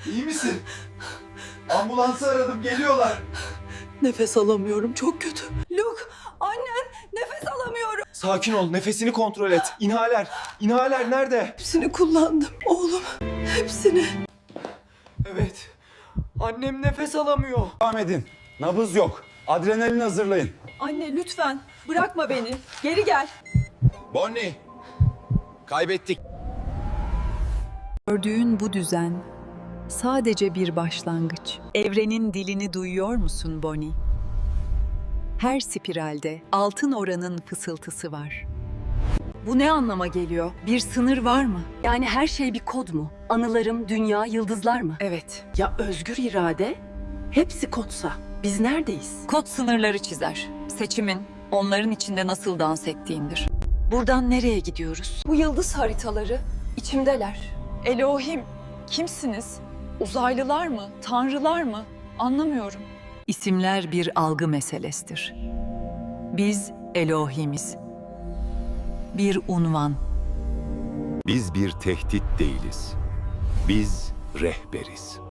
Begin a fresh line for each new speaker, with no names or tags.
İyi misin? Ambulansı aradım, geliyorlar.
Nefes alamıyorum, çok kötü. Luke, annen, nefes alamıyorum.
Sakin ol, nefesini kontrol et. İnhaler, inhaler nerede?
Hepsini kullandım oğlum, hepsini.
Evet, annem nefes alamıyor.
Devam edin. Nabız yok. Adrenalin hazırlayın.
Anne lütfen, bırakma beni. Geri gel.
Bonnie, kaybettik.
Gördüğün bu düzen sadece bir başlangıç. Evrenin dilini duyuyor musun Bonnie? Her spiralde altın oranın fısıltısı var. Bu ne anlama geliyor? Bir sınır var mı?
Yani her şey bir kod mu? Anılarım, dünya, yıldızlar mı?
Evet.
Ya özgür irade? Hepsi kodsa, biz neredeyiz?
Kod sınırları çizer. Seçimin onların içinde nasıl dans ettiğindir. Buradan nereye gidiyoruz?
Bu yıldız haritaları içimdeler. Elohim, kimsiniz? Uzaylılar mı, tanrılar mı? Anlamıyorum.
İsimler bir algı meselesidir. Biz Elohimiz. Bir unvan.
Biz bir tehdit değiliz. Biz rehberiz.